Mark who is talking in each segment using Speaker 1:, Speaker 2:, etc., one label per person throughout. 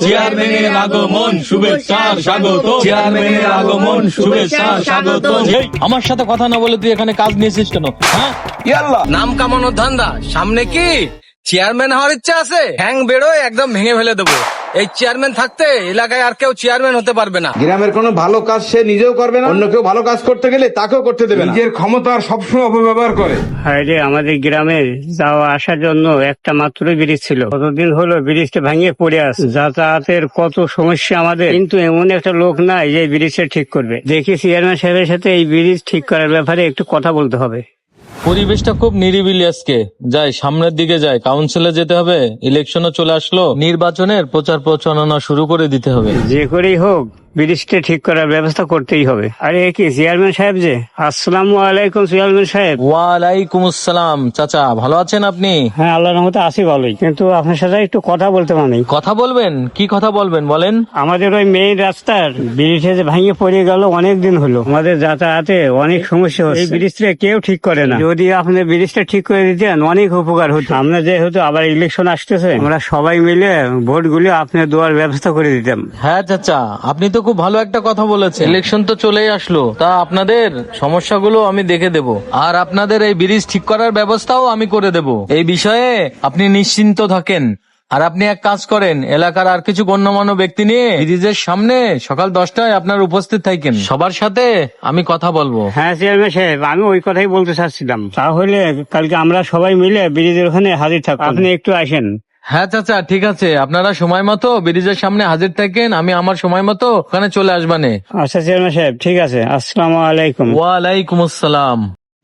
Speaker 1: চেয়ারম্যানের আগমন শুভেচ্ছার স্বাগত, চেয়ারম্যানের আগমন শুভেচ্ছার স্বাগত।
Speaker 2: আমার সাথে কথা না বলে তুই এখানে কাজ নিয়েছিস কেন? হ্যাঁ,
Speaker 3: নাম কামানোর ধান্দা, সামনে কি চেয়ারম্যান হওয়ার ইচ্ছা আছে? হ্যাং বেরোয় একদম ভেঙে ফেলে দেবো। এই চেয়ারম্যান থাকতে এলাকায় আর কেউ চেয়ারম্যান হতে পারবে না।
Speaker 4: গ্রামের কোনো ভালো কাজ সে নিজেও করবে না, অন্য কেউ ভালো কাজ করতে গেলে তাকেও করতে দেবে না। নিজের ক্ষমতার সবসময় অপব্যবহার করে।
Speaker 5: হায়রে, আমাদের গ্রামে যাওয়া আসার জন্য একটা মাত্র ব্রিজ ছিল, কতদিন হলো ব্রিজটা ভেঙে পড়ে আছে। যাতায়াতের কত সমস্যা আমাদের, কিন্তু এমন একটা লোক নাই যে ব্রিজটা ঠিক করবে। দেখি চেয়ারম্যান সাহেবের সাথে এই ব্রিজ ঠিক করার ব্যাপারে একটু কথা বলতে হবে।
Speaker 2: পরিবেশটা খুব নিরিবিলি আজকে। যাই, সামনের দিকে যাই, কাউন্সিলে যেতে হবে, ইলেকশনও চলে আসলো, নির্বাচনের প্রচার প্রচারণা শুরু করে দিতে হবে।
Speaker 5: যে করেই হোক ব্রিজটা ঠিক করার ব্যবস্থা করতেই হবে। আরে এ কি চেয়ারম্যান সাহেব যে? আসসালামু আলাইকুম চেয়ারম্যান সাহেব।
Speaker 2: ওয়ালাইকুম আসসালাম। চাচা, ভালো আছেন আপনি?
Speaker 5: হ্যাঁ, আল্লাহর রহমতে আছি ভালোই, কিন্তু আপনার সাথে একটু কথা বলতে মানে।
Speaker 2: কথা বলবেন? কি কথা বলবেন বলেন?
Speaker 5: আমাদের ওই মেইন রাস্তার ব্রিজে যে ভেঙে পড়ে গেল অনেক দিন হলো, আমাদের যাতায়াতে অনেক সমস্যা হচ্ছে। এই ব্রিজটা কেউ ঠিক করে না। যদি আপনি ব্রিজটা ঠিক করে দিতেন অনেক উপকার হতো। আমরা যেহেতু আবার ইলেকশন আসতেছে, আমরা সবাই মিলে ভোটগুলি আপনি দেওয়ার ব্যবস্থা করে দিতাম।
Speaker 2: হ্যাঁ চাচা, আপনি তো খুব ভালো একটা কথা বলেছেন। ইলেকশন তো চলেই আসলো, তা আপনাদের সমস্যাগুলো আমি দেখে দেব, আর আপনাদের এই ব্রিজ ঠিক করার ব্যবস্থাও আমি করে দেব। এই বিষয়ে আপনি নিশ্চিন্ত থাকেন। আর আপনি এক কাজ করেন, এলাকার আর কিছু গণ্যমান্য ব্যক্তি নিয়ে ব্রিজের সামনে সকাল 10টায় আপনার উপস্থিত থাকেন। সবার সাথে আমি কথা বলবো।
Speaker 5: হ্যাঁ চেয়ারম্যান সাহেব, আমি ওই কথাই বলতে চাচ্ছিলাম। তাহলে কালকে আমরা সবাই মিলে ব্রিজের ওখানে হাজির থাকবো, আপনি একটু আসেন।
Speaker 2: হ্যাঁ চাচা, ঠিক আছে, আপনারা সময় মতো ব্রিজের সামনে হাজির থাকেন, আমি আমার সময় মতো ওখানে চলে আসবানে।
Speaker 5: আচ্ছা চেয়ারম্যান সাহেব, ঠিক আছে। আসসালামু আলাইকুম।
Speaker 2: ওয়ালাইকুম আসসালাম।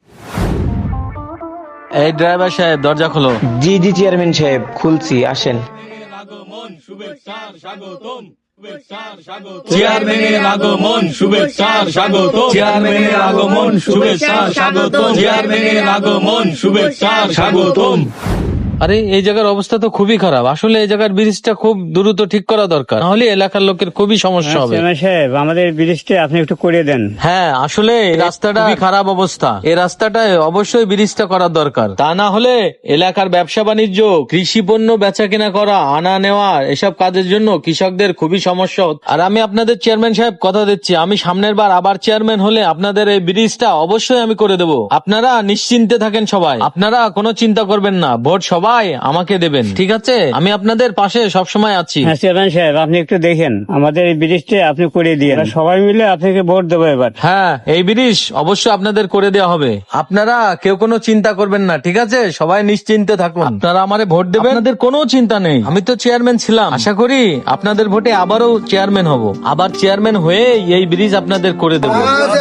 Speaker 2: এই ড্রাইভার সাহেব, দরজা খোলো।
Speaker 6: জি জি চেয়ারম্যান সাহেব, খুলছি, আসেন।
Speaker 1: আগমন শুভেচ্ছার স্বাগতম, শুভেচ্ছার স্বাগত, চেয়ারম্যানের আগমন শুভেচ্ছার স্বাগত, চেয়ারম্যানের আগমন শুভেচ্ছার স্বাগত, চেয়ারম্যানের আগমন শুভেচ্ছার স্বাগতম।
Speaker 2: আরে, এই জায়গার অবস্থা তো খুবই খারাপ। আসলে এই জায়গার ব্রিজটা খুব দ্রুত ঠিক করা দরকার, নাহলে এলাকার লোকের খুবই সমস্যা হবে।
Speaker 5: চেয়ারম্যান সাহেব, আমাদের ব্রিজটা আপনি একটু করে দেন।
Speaker 2: হ্যাঁ, আসলে এই রাস্তাটা খুবই খারাপ অবস্থা। এই রাস্তাটায় অবশ্যই ব্রিজটা করার দরকার, তা না হলে এলাকার ব্যবসা বাণিজ্য, কৃষি পণ্য বেচা কেনা করা, আনা নেওয়া, এসব কাজের জন্য কৃষকদের খুবই সমস্যা হচ্ছে। আর আমি আপনাদের চেয়ারম্যান সাহেব কথা দিচ্ছি, আমি সামনের বার আবার চেয়ারম্যান হলে আপনাদের এই ব্রিজটা অবশ্যই আমি করে দেবো। আপনারা নিশ্চিন্তে থাকেন সবাই, আপনারা কোনো চিন্তা করবেন না, ভোট সবাই আমাকে দেবেন, ঠিক আছে? আমি আপনাদের পাশে সবসময় আছি।
Speaker 5: হ্যাঁ চেয়ারম্যান সাহেব, আপনি একটু দেখেন আমাদের এই ব্রিজটা আপনি করে দিয়ে, সবাই মিলে আপনাকে ভোট দেবো এবার।
Speaker 2: হ্যাঁ, এই ব্রিজ অবশ্যই আপনাদের করে দেওয়া হবে। আপনারা কেউ কোনো চিন্তা করবেন না, ঠিক আছে? সবাই নিশ্চিন্তে থাকুন, আপনারা আমারে ভোট দেবেন, আপনাদের কোনো চিন্তা নেই। আমি তো চেয়ারম্যান ছিলাম, আশা করি আপনাদের ভোটে আবারও চেয়ারম্যান হব, আবার চেয়ারম্যান হয়ে এই ব্রিজ আপনাদের করে দেবো।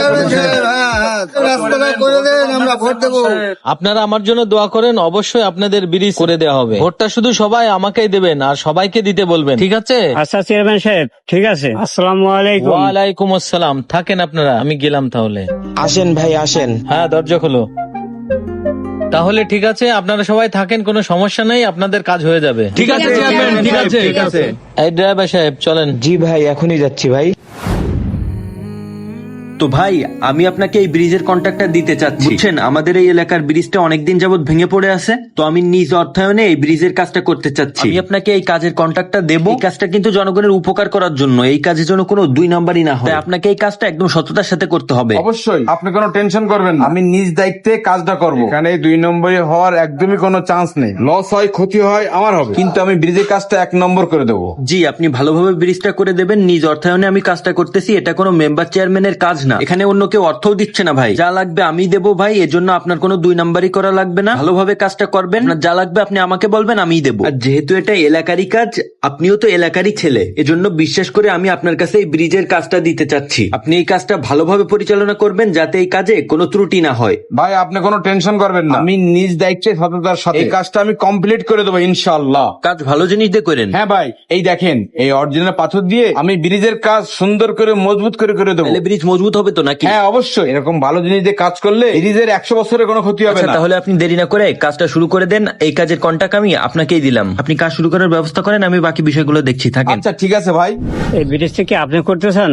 Speaker 2: আপনারা আমার জন্য দোয়া করেন, অবশ্যই আপনাদের ব্রিজ করে দেওয়া হবে। ভোটটা শুধু সবাই আমাকেই দেবেন আর সবাইকে দিতে বলবেন, ঠিক আছে?
Speaker 5: আচ্ছা চেয়ারম্যান সাহেব, ঠিক আছে। আসসালামু আলাইকুম।
Speaker 2: ওয়ালাইকুম আসসালাম। থাকেন আপনারা, আমি গেলাম তাহলে।
Speaker 6: আসেন ভাই, আসেন।
Speaker 2: হ্যাঁ, দরজা খোলো। তাহলে ঠিক আছে, আপনারা সবাই থাকেন, কোনো সমস্যা নেই, আপনাদের কাজ হয়ে যাবে।
Speaker 1: ঠিক আছে চেয়ারম্যান, ঠিক আছে, ঠিক আছে।
Speaker 2: এই ড্রাইভার সাহেব, চলেন।
Speaker 6: জি ভাই, এখনই যাচ্ছি ভাই।
Speaker 7: তো ভাই, আমি আপনাকে এই ব্রিজের কন্ট্রাক্টটা দিতে চাচ্ছি। বুঝছেন, আমাদের এই এলাকার ব্রিজটা অনেকদিন যাবত ভেঙে পড়ে আছে, তো আমি নিজ অর্থায়নে এই ব্রিজের কাজটা করতে চাচ্ছি। আমি আপনাকে এই কাজের কন্ট্রাক্টটা দেব। এই কাজটা কিন্তু জনগণের উপকার করার জন্য, এই কাজের জন্য কোনো 2 নাম্বারই না হয়। তাই আপনাকে এই কাজটা একদম সততার সাথে করতে হবে।
Speaker 4: অবশ্যই, আপনি কোনো টেনশন করবেন না, আমি নিজ দায়িত্বে কাজটা করবো। এখানে 2 নম্বরই হওয়ার একদমই কোনো চান্স নেই। লস হয়, ক্ষতি হয়, আমার হবে, কিন্তু আমি ব্রিজের কাজটা 1 নম্বর করে দেবো।
Speaker 7: জি, আপনি ভালোভাবে ব্রিজটা করে দেবেন। নিজ অর্থায়নে আমি কাজটা করতেছি, এটা কোনো মেম্বার চেয়ারম্যানের কাজ না। এখানে অন্য কেউ অর্থও দিচ্ছে না ভাই। যা লাগবে আমি দেবো ভাই, এজন্য আপনার কোনো 2 নাম্বারই করা লাগবে না। ভালোভাবে কাজটা করবেন, আপনার যা লাগবে আপনি আমাকে বলবেন, আমিই দেবো। আর যেহেতু এটা এলাকারই কাজ, আপনিও তো এলাকারই ছেলে, এজন্য বিশ্বাস করে আমি আপনার কাছে এই ব্রিজের কাজটা দিতে চাচ্ছি। আপনি এই কাজটা ভালোভাবে পরিচালনা করবেন, যাতে এই কাজে কোনো ত্রুটি না হয়।
Speaker 4: ভাই, আপনি কোনো টেনশন করবেন না, আমি নিজ দায়িত্বে সততার সাথে এই কাজটা আমি কমপ্লিট করে দেবো ইনশাআল্লাহ।
Speaker 7: কাজ ভালো জিনিস দিয়ে করেন।
Speaker 4: হ্যাঁ ভাই, এই দেখেন, এই অরিজিনাল পাথর দিয়ে আমি ব্রিজের কাজ সুন্দর করে মজবুত করে দেবো।
Speaker 7: তাহলে ব্রিজ মজবুত হবে তো নাকি?
Speaker 4: হ্যাঁ অবশ্যই, এরকম ভালো জিনিস দিয়ে কাজ করলে ব্রিজের 100 বছরের কোনো ক্ষতি হবে
Speaker 7: আচ্ছা,
Speaker 4: না।
Speaker 7: তাহলে আপনি দেরি না করে কাজটা শুরু করে দেন। এই কাজের কন্ট্রাক্ট আমি আপনাকেই দিলাম, আপনি কাজ শুরু করার ব্যবস্থা করেন, আমি বাকি বিষয়গুলো দেখছি। থাকেন।
Speaker 4: আচ্ছা ঠিক আছে ভাই।
Speaker 5: এই ব্রিজটা কি আপনি করতেছেন?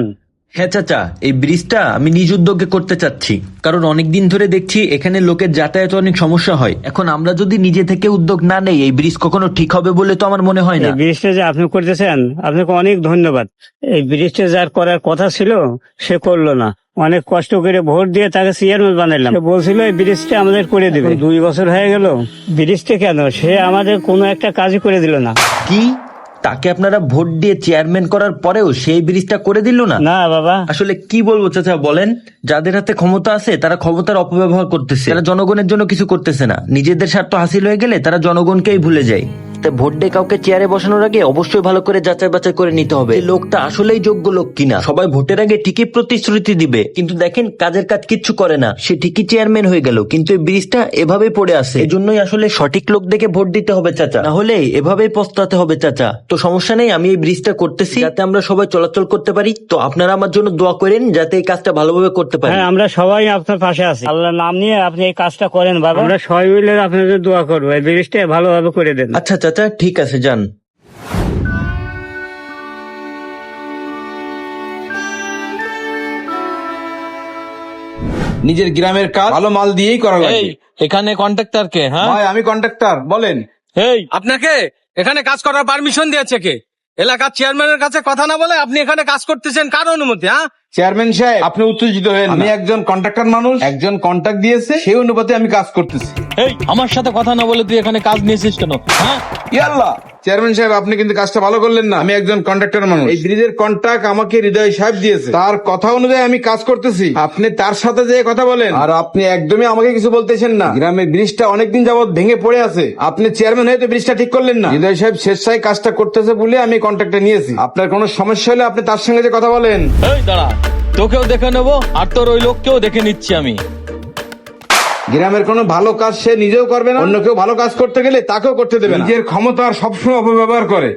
Speaker 7: হ্যাঁ চাচা, এই ব্রিজটা আমি নিজ উদ্যোগে করতে চাচ্ছি, কারণ অনেকদিন ধরে দেখছি এখানে লোকের যাতায়াতে অনেক সমস্যা হয়। এখন আমরা যদি নিজে থেকে উদ্যোগ না নেই, এই ব্রিজ কখনো ঠিক হবে বলে তো আমার মনে হয় না।
Speaker 5: এই ব্রিজটা যে আপনি করতেছেন, আপনাকে অনেক ধন্যবাদ। এই ব্রিজটা যার করার কথা ছিল সে করলো না। অনেক কষ্ট করে ভোট দিয়ে তাকে চেয়ারম্যান বানাইলাম। সে বলছিল এই ব্রিজটা আমাদের করে দিবে। 2 বছর হয়ে গেল, ব্রিজটা কেন সে আমাদের কোনো একটা কাজই করে দিল না।
Speaker 7: কি, তাকে আপনারা ভোট দিয়ে চেয়ারম্যান করার পরেও সেই ব্রিজটা করে দিল না?
Speaker 5: না বাবা,
Speaker 7: আসলে কি বলবো চাচা বলেন, যাদের হাতে ক্ষমতা আছে তারা ক্ষমতার অপব্যবহার করতেছে, তারা জনগণের জন্য কিছু করতেছে না। নিজেদের স্বার্থ হাসিল হয়ে গেলে তারা জনগণকেই ভুলে যায়। তাই ভোট দিয়ে কাউকে চেয়ারে বসানোর আগে অবশ্যই ভালো করে যাচাই বাছাই করে নিতে হবে এই লোকটা আসলেই যোগ্য লোক কিনা। সবাই ভোটের আগে ঠিকই প্রতিশ্রুতি দিবে, কিন্তু দেখেন কাজের কাজ কিচ্ছু করে না। সে ঠিকই চেয়ারম্যান হয়ে গেল, কিন্তু এই ব্রিজটা এভাবেই পড়ে আছে। এজন্যই আসলে সঠিক লোক দেখে ভোট দিতে হবে চাচা, না হলে এভাবেই পস্তাতে হবে চাচা। তো সমস্যা নেই, আমি এই ব্রিজটা করতেছি যাতে আমরা সবাই চলাচল করতে পারি। তো আপনারা আমার জন্য দোয়া করেন যাতে এই কাজটা ভালোভাবে করতে পারি।
Speaker 5: হ্যাঁ আমরা সবাই আপনার পাশে আছি। আল্লাহর নাম নিয়ে আপনি এই কাজটা করেন বাবা, আমরা সবাই মিলে আপনাদের দোয়া করবো, এই ব্রিজটা ভালোভাবে করে দেন।
Speaker 7: আচ্ছা চাচা, ঠিক আছে, যান।
Speaker 4: নিজের গ্রামের কাজ ভালো মাল দিয়েই করা
Speaker 2: এই
Speaker 4: লাগে।
Speaker 2: এখানে কন্ট্রাক্টর কে? হ্যাঁ
Speaker 4: ভাই আমি কন্ট্রাক্টর, বলেন।
Speaker 2: এই
Speaker 3: আপনাকে এখানে কাজ করার পারমিশন দিয়েছে কে? এলাকার চেয়ারম্যানের কাছে কথা না বলে আপনি এখানে কাজ করতেছেন কার অনুমতি? হ্যাঁ,
Speaker 4: চেয়ারম্যান সাহেব আপনি উত্তেজিত হয়েন না। আমি একজন কন্ট্রাক্টর মানুষ, একজন কন্ট্রাক্ট দিয়েছে সেই অনুপাতে আমি কাজ করতেছি।
Speaker 2: এই আমার সাথে কথা না বলে তুই এখানে কাজ নিয়েছিস কেন? হ্যাঁ
Speaker 4: ইয়াল্লাহ, চেয়ারম্যান সাহেব আপনি কিন্তু কাজটা ভালো করলেন না। আমি একজন কন্ট্রাক্টর মানুষ, এই ব্রিজের কন্ট্রাক্ট আমাকে হৃদয় সাহেব দিয়েছে, তার কথা অনুযায়ী আমি কাজ করতেছি। আপনি তার সাথে যে কথা বলেন, আর আপনি একদমই আমাকে কিছু বলতেছেন না। গ্রামের ব্রিজটা অনেকদিন যাবত ভেঙে পড়ে আছে, আপনি চেয়ারম্যান হয়ে তো ব্রিজটা ঠিক করলেন না। হৃদয় সাহেব স্বেচ্ছায় কাজটা করতেছে বলে আমি কন্ট্রাক্টে নিয়েছি। আপনার কোনো সমস্যা হলে আপনি তার সঙ্গে যে কথা বলেন।
Speaker 2: এই দাঁড়া, তোকেও দেখে নেবো আর তোর ওই লোককেও দেখে নিচ্ছি আমি।
Speaker 4: গ্রামের কোনো ভালো কাজ সে নিজেও করবে না, অন্য কেউ ভালো কাজ করতে গেলে তাকেও করতে দেবে না। নিজের ক্ষমতার সবসময় অপব্যবহার করে।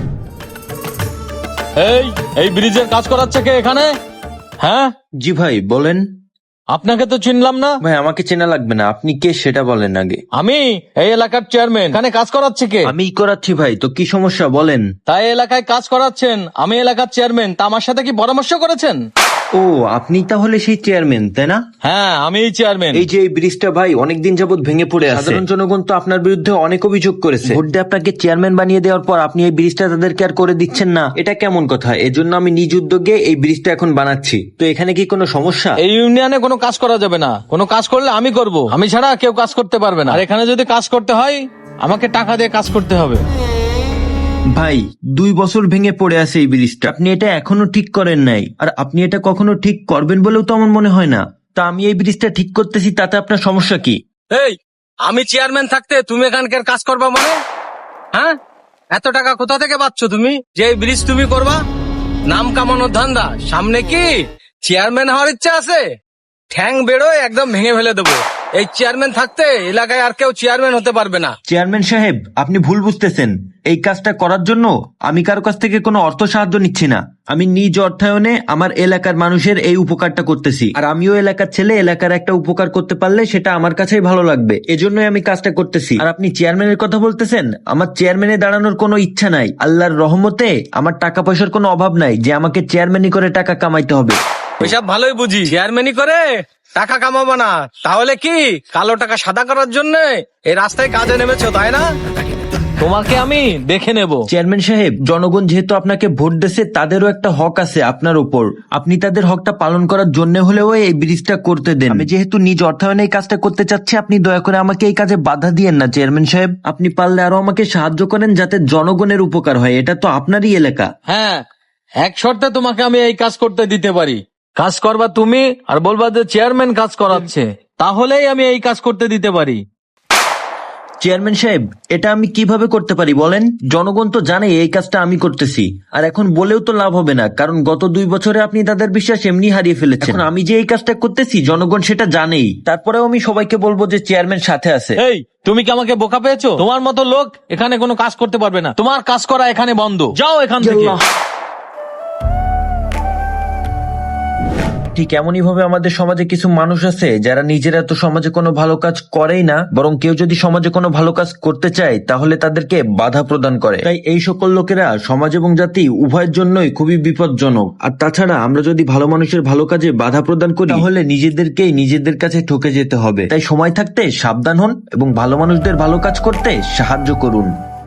Speaker 2: এই এই ব্রিজের কাজ করাচ্ছে কে এখানে? হ্যাঁ
Speaker 7: জি ভাই, বলেন।
Speaker 2: আপনাকে তো চিনলাম না।
Speaker 7: ভাই আমাকে চেনা লাগবে না, আপনি কে সেটা বলেন আগে।
Speaker 2: আমি এই এলাকার চেয়ারম্যান, এখানে কাজ করাচ্ছে কে?
Speaker 7: আমি করাচ্ছি ভাই, তো কি সমস্যা বলেন।
Speaker 2: তাই এলাকায় কাজ করাচ্ছেন, আমি এলাকার চেয়ারম্যান, তা আমার সাথে কি পরামর্শ করেছেন?
Speaker 7: ও, আপনি তাহলে সেই চেয়ারম্যান, তাই না?
Speaker 2: হ্যাঁ আমি চেয়ারম্যান।
Speaker 7: এই যে এই ব্রিজটা ভাই অনেকদিন যাবত ভেঙে পড়ে আছে, সাধারণ জনগণ তো আপনার বিরুদ্ধে অনেক অভিযোগ করেছে। ভোট দিয়ে আপনাকে চেয়ারম্যান বানিয়ে দেওয়ার পর আপনি এই ব্রিজটা তাদেরকে আর করে দিচ্ছেন না, এটা কেমন কথা? এজন্য আমি নিজ উদ্যোগে এই ব্রিজটা এখন বানাচ্ছি। তো এখানে কি কোনো সমস্যা?
Speaker 2: এই ইউনিয়নে কোনো কাজ করা যাবে না, কোনো কাজ করলে আমি করব, আমি ছাড়া কেউ কাজ করতে পারবে না। আর এখানে যদি কাজ করতে হয় আমাকে টাকা দিয়ে কাজ করতে হবে।
Speaker 7: ভাই 2 বছর ভেঙে পড়ে আছে এই ব্রিজটা, আপনি এটা এখনো ঠিক করেন নাই, আর আপনি এটা কখনো ঠিক করবেন বলেও তো আমার মনে হয় না। তা আমি এই ব্রিজটা ঠিক করতেছি, তাতে আপনার সমস্যা কি?
Speaker 3: এই আমি চেয়ারম্যান থাকতে তুমি এখানকার কাজ করবা মানে? হ্যাঁ, এত টাকা কোথা থেকে পাচ্ছ তুমি যে এই ব্রিজ তুমি করবা? নাম কামানোর ধান্দা, সামনে কি চেয়ারম্যান হওয়ার ইচ্ছা আছে? ঠ্যাং বেরোয় একদম ভেঙে ফেলে দেবো। এই চেয়ারম্যান থাকতে এলাকায় আর কেউ চেয়ারম্যান হতে পারবে না।
Speaker 7: চেয়ারম্যান সাহেব, আপনি ভুল বুঝতেছেন। এই কাজটা করার জন্য আমি কারো কাছ থেকে কোনো অর্থ সাহায্য নিচ্ছি না। আমি নিজ অর্থায়নে আমার এলাকার মানুষের এই উপকারটা করতেছি, আর আমিও এলাকার ছেলে, এলাকার একটা উপকার করতে পারলে সেটা আমার কাছেই ভালো লাগবে, এজন্যই আমি কাজটা করতেছি। আর আপনি চেয়ারম্যানের কথা বলতেছেন, আমার চেয়ারম্যানে দাঁড়ানোর কোনো ইচ্ছা নাই। আল্লাহর রহমতে আমার টাকা পয়সার কোনো অভাব নাই যে আমাকে চেয়ারম্যানই করে টাকা কামাইতে হবে।
Speaker 3: ওইসব ভালোই বুঝি, চেয়ারম্যানই করে টাকা কামাবো না, তাহলে কি কালো টাকা সাদা করার জন্য এই রাস্তায় কাজে নেমেছো, তাই না?
Speaker 2: তোমাকে আমি দেখে নেব।
Speaker 7: চেয়ারম্যান সাহেব, জনগণ যেহেতু আপনাকে ভোট দিয়েছে, তাদেরও একটা হক আছে আপনার উপর। আপনি তাদের হকটা পালন করার জন্য হলেও এই ব্রিজটা করতে দেন। আমি যেহেতু নিজ অর্থায়নে এই কাজটা করতে চাচ্ছি, আপনি দয়া করে আমাকে এই কাজে বাধা দিয়েন না চেয়ারম্যান সাহেব। আপনি পারলে আরো আমাকে সাহায্য করেন যাতে জনগণের উপকার হয়, এটা তো আপনারই এলাকা।
Speaker 2: হ্যাঁ, এক শর্তে তোমাকে আমি এই কাজ করতে দিতে পারি। কাজ করবা তুমি আর বলবা যে চেয়ারম্যান কাজ করাচ্ছে, তাহলেই আমি এই কাজ করতে দিতে পারি।
Speaker 7: চেয়ারম্যান সাহেব, এটা আমি কিভাবে করতে পারি বলেন? জনগণ তো জানে এই কাজটা আমি করতেছি, আর এখন বলেও তো লাভ হবে না, কারণ গত 2 বছরে আপনি তাদের বিশ্বাস এমনি হারিয়ে ফেলেছেন। এখন আমি যে এই কাজটা করতেছি জনগণ সেটা জানেই, তারপরেও আমি সবাইকে বলবো যে চেয়ারম্যান সাথে আছে।
Speaker 2: এই তুমি কি আমাকে বোকা পেয়েছো? তোমার মতো লোক এখানে কোনো কাজ করতে পারবে না, তোমার কাজ করা এখানে বন্ধ, যাও এখান থেকে।
Speaker 7: ঠিক এমনই ভাবে আমাদের সমাজে কিছু মানুষ আছে যারা নিজেরা তো সমাজে কোনো ভালো কাজ করেই না, বরং কেউ যদি সমাজে কোনো ভালো কাজ করতে চায় তাহলে তাদেরকে বাধা প্রদান করে। তাই এই সকল লোকেরা সমাজ এবং জাতি উভয়ের জন্যই খুবই বিপজ্জনক। আর তাছাড়া আমরা যদি ভালো মানুষের ভালো কাজে বাধা প্রদান করি তাহলে নিজেদেরকেই নিজেদের কাছে ঠকে যেতে হবে। তাই সময় থাকতে সাবধান হন এবং ভালো মানুষদের ভালো কাজ করতে সাহায্য করুন।